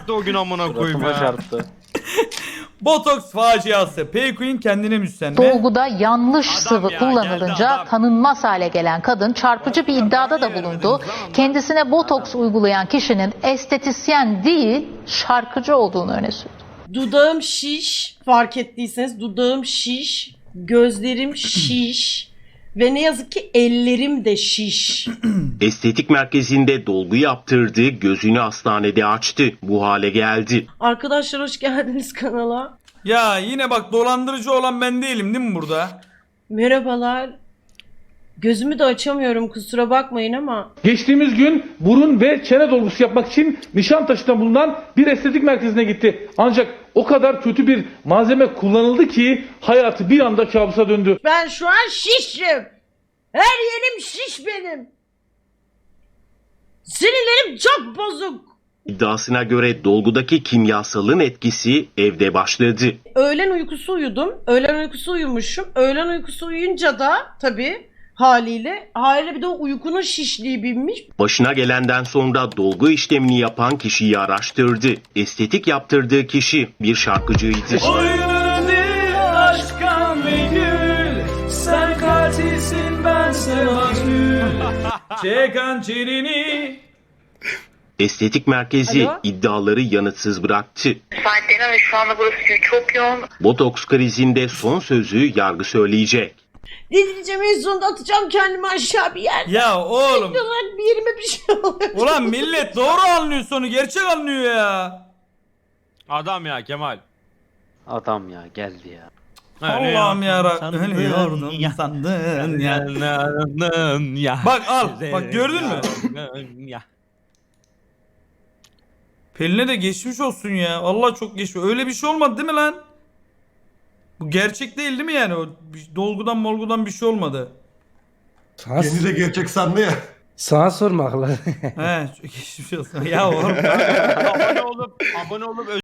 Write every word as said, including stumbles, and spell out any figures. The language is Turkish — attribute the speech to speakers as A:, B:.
A: çarptı o gün amına koyayım
B: Suratıma
A: ya.
B: çarptı.
C: Botoks faciası. Payqueen kendine müstenme.
D: Dolguda yanlış
A: Adam
D: sıvı
A: ya,
D: kullanılınca
A: geldi adam.
D: tanınmaz hale gelen kadın çarpıcı bir iddiada da bulundu. Kendisine botoks uygulayan kişinin estetisyen değil şarkıcı olduğunu öne sürdü.
E: Dudağım şiş. Fark ettiyseniz dudağım şiş. Gözlerim şiş. Ve ne yazık ki ellerim de şiş.
F: Estetik merkezinde dolgu yaptırdı, gözünü hastanede açtı. Bu hale geldi.
E: Arkadaşlar hoş geldiniz kanala.
C: Ya yine bak dolandırıcı olan ben değilim değil mi burada?
E: Merhabalar. Gözümü de açamıyorum kusura bakmayın ama.
G: Geçtiğimiz gün burun ve çene dolgusu yapmak için Nişantaşı'nda bulunan bir estetik merkezine gitti. Ancak o kadar kötü bir malzeme kullanıldı ki hayatı bir anda kabusa döndü.
E: Ben şu an şişim. Her yerim şiş benim. Sinirlerim çok bozuk.
F: İddiasına göre dolgudaki kimyasalın etkisi evde başladı.
E: Öğlen uykusu uyudum. Öğlen uykusu uyumuşum. Öğlen uykusu uyuyunca da tabii haliyle haliyle bir de o uykunun şişliği binmiş.
F: Başına gelenden sonra dolgu işlemini yapan kişiyi araştırdı. Estetik yaptırdığı kişi bir şarkıcıydı.
C: Sen katilsin ben sevacım. Çekan çeneni.
F: Estetik merkezi
E: Alo?
F: iddiaları yanıtsız bıraktı.
H: Saatlerine ve şu anda burası çok yoğun.
F: Botoks krizinde son sözü yargı söyleyecek.
E: Delireceğim en sonunda atacağım kendimi aşağı bir yer.
C: Ya oğlum.
E: Olarak bir yerime bir şey oluyor.
C: Ulan millet doğru anlıyor sonu. Gerçek anlıyor ya.
A: Adam ya Kemal.
B: Adam ya geldi ya.
C: Allah'ım yarabbim. Ölüyordum
A: ya.
C: sandın ya.
A: ya.
C: Bak al. Bak gördün mü?
A: Ya.
C: Pelin'e de geçmiş olsun ya. Vallahi çok geçmiş. Öyle bir şey olmadı değil mi lan? Bu gerçek değil değil mi yani? O bir- dolgudan molgudan bir şey olmadı.
I: Kendi de gerçek sandı ya.
J: Sana sormak lan.
C: He çok geçmiş olsun. Ya oğlum.
A: abone olup abone olup